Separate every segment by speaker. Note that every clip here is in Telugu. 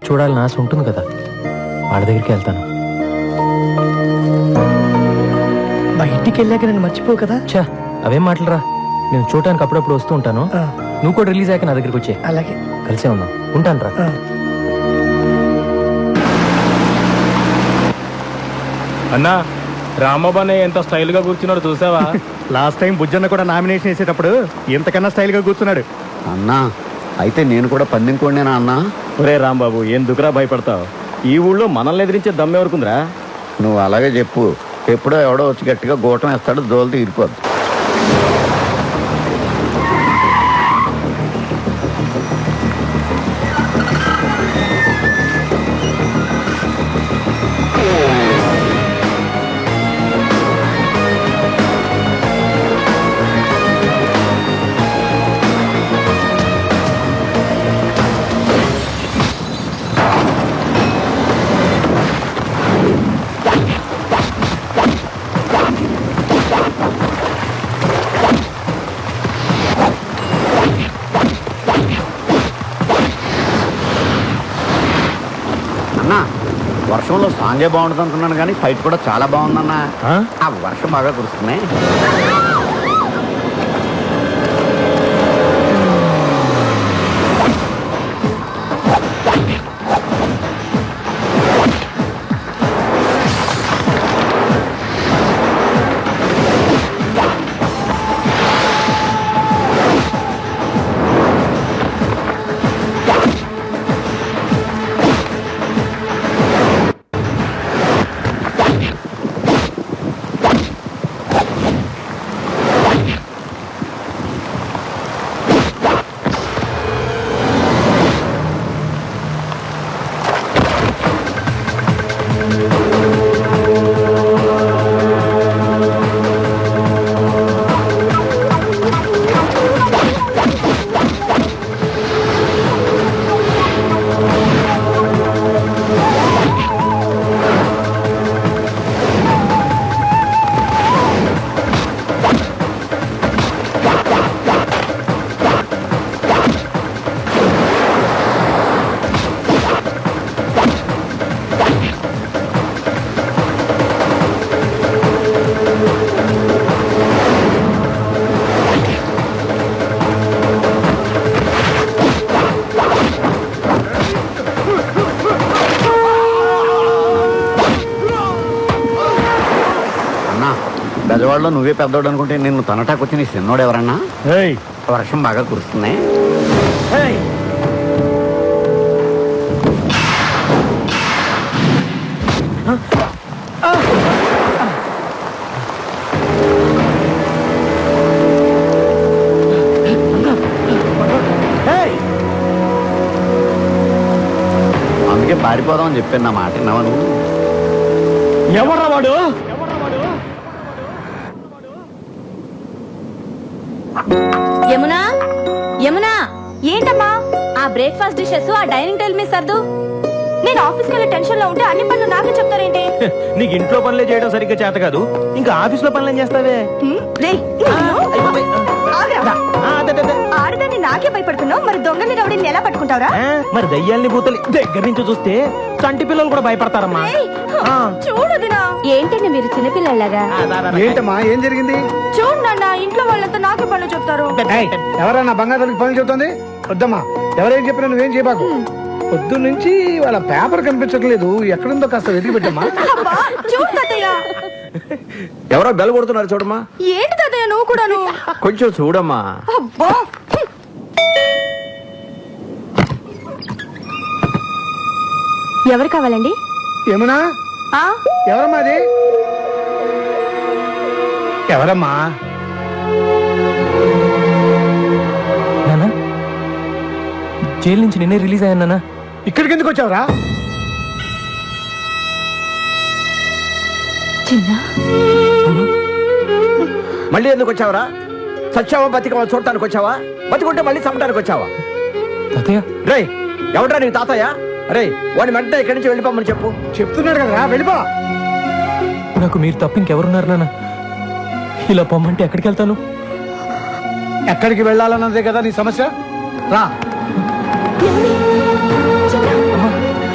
Speaker 1: చూడాలని ఆశ ఉంటుంది కదా, వాళ్ళ దగ్గరికి వెళ్తాను.
Speaker 2: బయటికి వెళ్ళాక నేను మర్చిపోవు కదా.
Speaker 1: చా, అవేం మాటలరా, నేను చూడటానికి అప్పుడప్పుడు వస్తూ ఉంటాను. నువ్వు కూడా రిలీజ్ అయ్యాక నా దగ్గరికి వచ్చే.
Speaker 2: అలాగే,
Speaker 1: కలిసే ఉందాం. ఉంటాను రా.
Speaker 3: అన్నా, రామబాబు ఎంత స్టైల్ గా కూర్చున్నాడు చూసావా?
Speaker 4: లాస్ట్ టైం బుజ్జన్న కూడా నామినేషన్ వేసేటప్పుడు ఇంతకన్నా స్టైల్ గా కూర్చున్నాడు.
Speaker 5: అన్నా అయితే నేను కూడా పందెం కోడినేనా అన్నా?
Speaker 3: ఒరే రాంబాబు, ఎందుకురా భయపడతావు? ఈ ఊళ్ళో మనల్ని ఎదిరించే దమ్మెవరకుందిరా?
Speaker 5: నువ్వు అలాగే చెప్పు. ఎప్పుడో ఎవడో వచ్చి గట్టిగా గోటం వేస్తాడు, దోలు తీరిపోద్దు. వర్షంలో సాంగే బాగుంటుంది అనుకున్నాను కానీ ఫైట్ కూడా చాలా బాగుందన్నా. ఆ వర్షం బాగా కురుస్తున్నాయి. బెజవాడలో నువ్వే పెద్దోడు అనుకుంటే నిన్ను తనటాకొచ్చి నీ చిన్నోడు ఎవరన్నా? వర్షం బాగా కురుస్తున్నాయి. అందుకే పారిపోదామని చెప్పాను. నా మాట విన్నావా నువ్వు?
Speaker 3: ఎవర్రా వాడు?
Speaker 6: యమునా, యమునా, ఏంటమ్మా ఆ బ్రేక్ఫాస్ట్ డిషెస్ ఆ డైనింగ్ టేబుల్ మీద సర్దు. నేను ఆఫీస్కి వెళ్ళే టెన్షన్ లో ఉంటే అన్ని పనులు నాకే చెప్తారేంటి?
Speaker 1: నీకు ఇంట్లో పనులే చేయడం సరిగ్గా చేత కాదు, ఇంకా ఆఫీస్ లో పనులు ఏం చేస్తావే?
Speaker 6: ఆడదాన్ని నాకే భయపడుతున్నావు, మరి దొంగని రౌడీని ఎలా పట్టుకుంటావురా?
Speaker 1: మరి దయ్యాల్ని భూతల్ని దగ్గర నుంచి చూస్తే చంటి పిల్లలు కూడా భయపడతారమ్మా.
Speaker 6: చూడదునా, ఏంటండి మీరు చిన్నపిల్లలాగా?
Speaker 4: ఏంటమ్మా, ఏం జరిగింది?
Speaker 6: చూడు నాన్న, ఇంట్లో వాళ్ళంతా నాకే పనులు చెప్తారు.
Speaker 4: ఎవరన్నా బంగారానికి పనులు చెబుతుంది? వద్దమ్మా, ఎవరేం చెప్పినా నువ్వేం చేయబాకు. పొద్దు నుంచి వాళ్ళ పేపర్ కనిపించట్లేదు, ఎక్కడుందో కాస్త వెతికి పెట్టమ్మా.
Speaker 6: చూడు తాతయ్య,
Speaker 5: ఎవరో బెల్ కొడుతున్నారు చూడమ్మా.
Speaker 6: ఏంటి తాతయ్య నువ్వు కూడాను?
Speaker 5: కొంచెం చూడమ్మా.
Speaker 6: అబ్బా, ఎవరు కావాలండి?
Speaker 4: ఏమన్నా? ఎవరమ్మా అది? ఎవరమ్మా?
Speaker 1: నానా, జైలు నుంచి నిన్నే రిలీజ్ అయ్యాను నానా.
Speaker 4: ఇక్కడికి ఎందుకు వచ్చావురా?
Speaker 6: చిన్న,
Speaker 5: మళ్ళీ ఎందుకు వచ్చావరా? సచ్చావా బతికవా చూడటానికి వచ్చావా? బతికుంటే మళ్ళీ చంపడానికి వచ్చావా?
Speaker 1: తాతయ్య,
Speaker 5: రే ఎవడ్రా నీ తాతయ్య? అరే వాడిని వెంటనే ఇక్కడి నుంచి వెళ్ళిపోమని చెప్పు.
Speaker 4: చెప్తున్నాడు కదరా, వెళ్ళిపో.
Speaker 1: నాకు మీరు తప్ప ఇంకెవరున్నారు నాన్న? ఇలా పొమ్మంటే ఎక్కడికి వెళ్తాను?
Speaker 4: ఎక్కడికి వెళ్ళాలన్నదే కదా నీ సమస్య. రా.
Speaker 1: అమ్మా,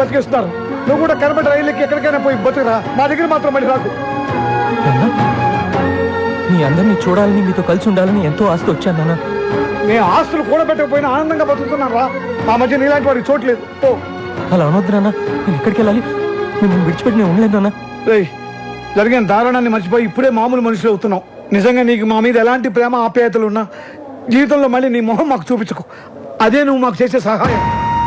Speaker 4: బతికేస్తున్నారు. నువ్వు కూడా కనబడి రైళ్ళకి ఎక్కడికైనా పోయి బతుకురా, మా దగ్గర మాత్రం మళ్ళీ రాకు.
Speaker 1: నాన్న, మీ అందరినీ చూడాలని మీతో కలిసి ఉండాలని ఎంతో ఆస్తి వచ్చాను నాన్న.
Speaker 4: నేను ఆస్తులు కూడబెట్టకపోయినా ఆనందంగా బతుకుతున్నాను రా. మా మధ్య నీలాంటి వాడికి చోట్లేదు. ఓ
Speaker 1: అలా అనొద్దు నాన్న, నేను ఎక్కడికి వెళ్ళాలి? మిమ్మల్ని విడిచిపెట్టి నేను ఉండలేదు నాన్న.
Speaker 4: రేయ్, జరిగిన దారుణాన్ని మర్చిపోయి ఇప్పుడే మామూలు మనుషులు అవుతున్నావు. నిజంగా నీకు మా మీద ఎలాంటి ప్రేమ ఆప్యాయతలు ఉన్నా జీవితంలో మళ్ళీ నీ మొహం మాకు చూపించుకో. అదే నువ్వు మాకు చేసే సహాయం.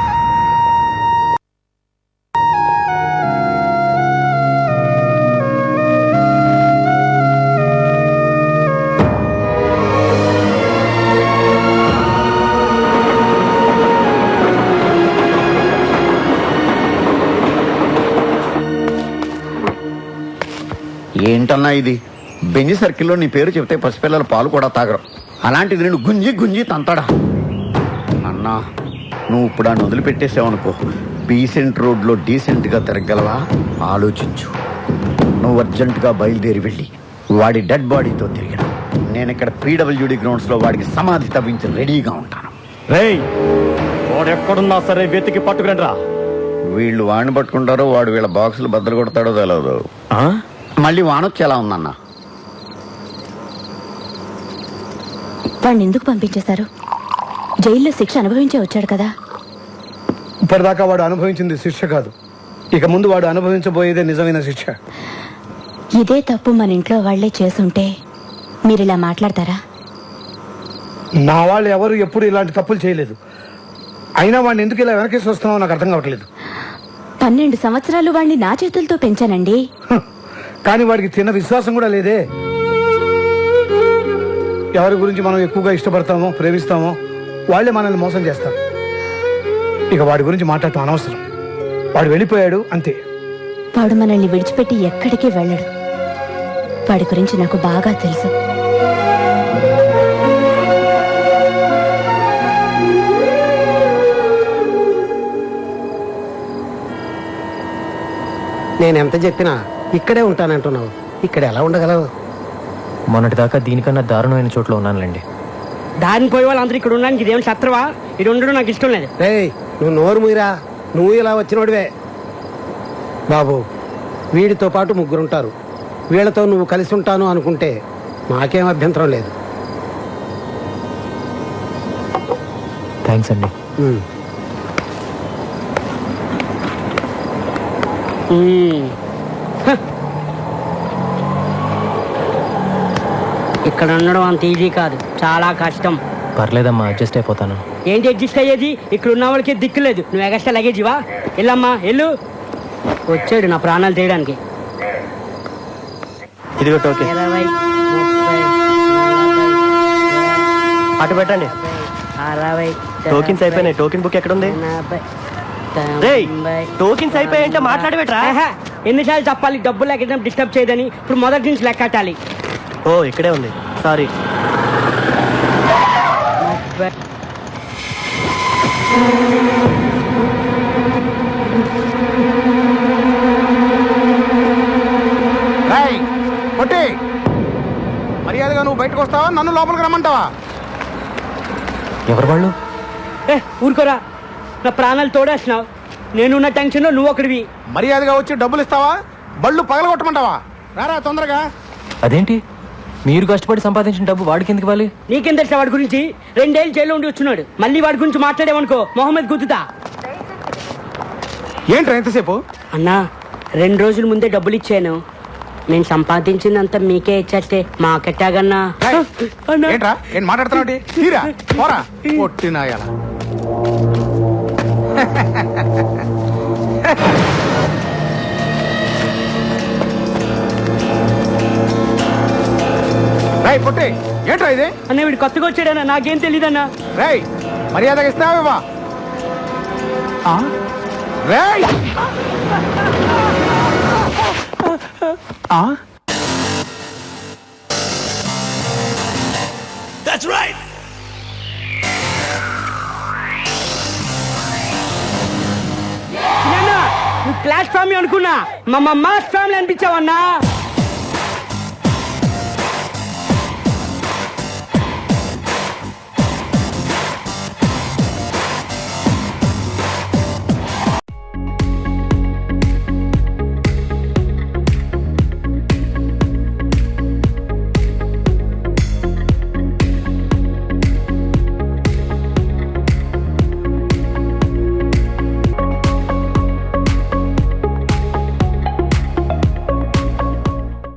Speaker 5: ఏంటన్నా ఇది? బెంజి సర్కిల్లో నీ పేరు చెప్తే పసిపిల్లల పాలు కూడా తాగరు. అలాంటిది నేను గుంజి గుంజి తంతాడా? అన్నా, నువ్వు ఇప్పుడు ఆ వదిలిపెట్టేసావనుకో, డీసెంట్ రోడ్లో డీసెంట్గా తిరగలవా? ఆలోచించు. నువ్వు అర్జెంటుగా బయలుదేరి వెళ్ళి వాడి డెడ్ బాడీతో తిరిగిన నేను ఇక్కడ పీడబ్ల్యూడి గ్రౌండ్స్లో వాడికి సమాధి తవ్వించి రెడీగా ఉంటాను.
Speaker 3: రేయ్, వాడెక్కడున్నా సరే వెతికి పట్టుకురండి రా.
Speaker 5: వీళ్ళు వాడిని పట్టుకుంటారో వాడు వీళ్ళ బాక్సులు బద్దలు కొడతాడో తెలియదు. మళ్ళీ వానొచ్చి ఎలా ఉందన్నా?
Speaker 6: వాడిని ఎందుకు పంపించేశారు? జైల్లో శిక్ష అనుభవించే వచ్చాడు కదా.
Speaker 4: ఇప్పటిదాకా వాడు అనుభవించింది శిక్ష కాదు, ఇక ముందు వాడు అనుభవించబోయేదే నిజమైన శిక్ష.
Speaker 6: ఇదే తప్పు మన ఇంట్లో వాళ్లే చేసుంటే మీరిలా మాట్లాడతారా?
Speaker 4: నా వాళ్ళు ఎవరు ఎప్పుడు ఇలాంటి తప్పులు చేయలేదు. అయినా వాడిని ఎందుకు ఇలా వెనకేసి వస్తున్నావో నాకు అర్థం కావట్లేదు.
Speaker 6: 12 సంవత్సరాలు వాడిని నా చేతులతో పెంచానండి.
Speaker 4: కానీ వాడికి చిన్న విశ్వాసం కూడా లేదే. ఎవరి గురించి మనం ఎక్కువగా ఇష్టపడతామో ప్రేమిస్తామో వాళ్ళే మనల్ని మోసం చేస్తారు. ఇక వాడి గురించి మాట్లాడటం అనవసరం. వాడు వెళ్ళిపోయాడు అంతే.
Speaker 6: వాడు మనల్ని విడిచిపెట్టి ఎక్కడికి వెళ్ళడు. వాడి గురించి నాకు బాగా తెలుసు.
Speaker 2: నేనెంత చెప్పినా ఇక్కడే ఉంటానంటున్నావు. ఇక్కడ ఎలా ఉండగలవు?
Speaker 1: మొన్నటిదాకా దీనికన్నా దారుణమైన చోట్ల ఉన్నానులేండి.
Speaker 7: దారిని పోయే వాళ్ళందరూ ఇక్కడ ఉండడానికి ఇదేం శత్రువా? ఇది ఉండడం నాకు ఇష్టం లేదు.
Speaker 2: రేయ్, నువ్వు నోరు మూయరా. నువ్వు ఇలా వచ్చినోడివే. బాబు, వీడితో పాటు 3 ఉంటారు. వీళ్ళతో నువ్వు కలిసి ఉంటాను అనుకుంటే మాకేం అభ్యంతరం లేదు.
Speaker 1: థ్యాంక్స్ అండి.
Speaker 7: ఇక్కడ ఉండడం అంత ఈజీ కాదు, చాలా కష్టం.
Speaker 1: పర్లేదమ్మా, అడ్జస్ట్ అయిపోతాను.
Speaker 7: ఏంటి అడ్జస్ట్ అయ్యేది? ఇక్కడ ఉన్న వాళ్ళకి దిక్కు లేదు. నువ్వు ఎగస్ట్రా లగేజివా? వెళ్ళమ్మా వెళ్ళు. వచ్చాడు నా ప్రాణాలు తీయడానికి.
Speaker 1: ఇదిగో టోకెన్.
Speaker 7: 20, 30, 40,
Speaker 1: అటు పెట్టండి.
Speaker 7: 60,
Speaker 1: టోకెన్స్ అయిపోయినాయి. టోకెన్ బుక్ ఎక్కడ ఉంది?
Speaker 7: 40,
Speaker 1: టోకెన్స్ అయిపోయాయంటే మాట్లాడబెట్రా.
Speaker 7: ఎన్నిసార్లు చెప్పాలి డబ్బులు లేక డిస్టర్బ్ చేయదని? ఇప్పుడు మొదటి నుంచి లెక్కటాలి.
Speaker 1: ఓ, ఇక్కడే ఉంది. సారీ.
Speaker 5: మర్యాదగా నువ్వు బయటకు వస్తావా, నన్ను లోపలికి రమ్మంటావా?
Speaker 1: ఎవరు వాళ్ళు?
Speaker 7: ఊరుకోరా, నా ప్రాణాలు తోడేస్తున్నావు. నేనున్న టెన్షన్ లో నువ్వు ఒకడివి.
Speaker 5: మర్యాదగా వచ్చి డబ్బులు ఇస్తావా, బళ్ళు పగలగొట్టమంటావా? రారా తొందరగా.
Speaker 1: అదేంటి, మీరు కష్టపడి సంపాదించిన డబ్బు వాడికి ఎందుకు ఇవ్వాలి?
Speaker 7: నీకేం తెలుసా వాడి గురించి? 2 ఏళ్ళు జైల్లో ఉండి వచ్చున్నాడు. మళ్ళీ వాడి గురించి మాట్లాడేవనుకో మొహమ్మద్ గుద్దుతా.
Speaker 5: ఏంట్రా ఎంతసేపు?
Speaker 7: అన్నా, 2 రోజుల ముందే డబ్బులు ఇచ్చాను. నేను సంపాదించిందంతా మీకే ఇచ్చేస్తే మాకెట్టాగన్నా.
Speaker 5: ఏంట్రా ఏం మాట్లాడుతున్నావు? తీరా పోరా పొట్టినాయాల. రై పొట్టి, ఏంట్రా ఇది?
Speaker 7: అన్న వీడు కొత్తగా వచ్చాడన్నా, నాకేం తెలీదన్నా.
Speaker 5: రై మర్యాదగా ఇస్తావా? రేయ్
Speaker 8: That's right.
Speaker 7: నువ్వు క్లాస్ ఫ్యామిలీ అనుకున్నా, మా మాస్ ఫ్యామిలీ అనిపించావన్నా.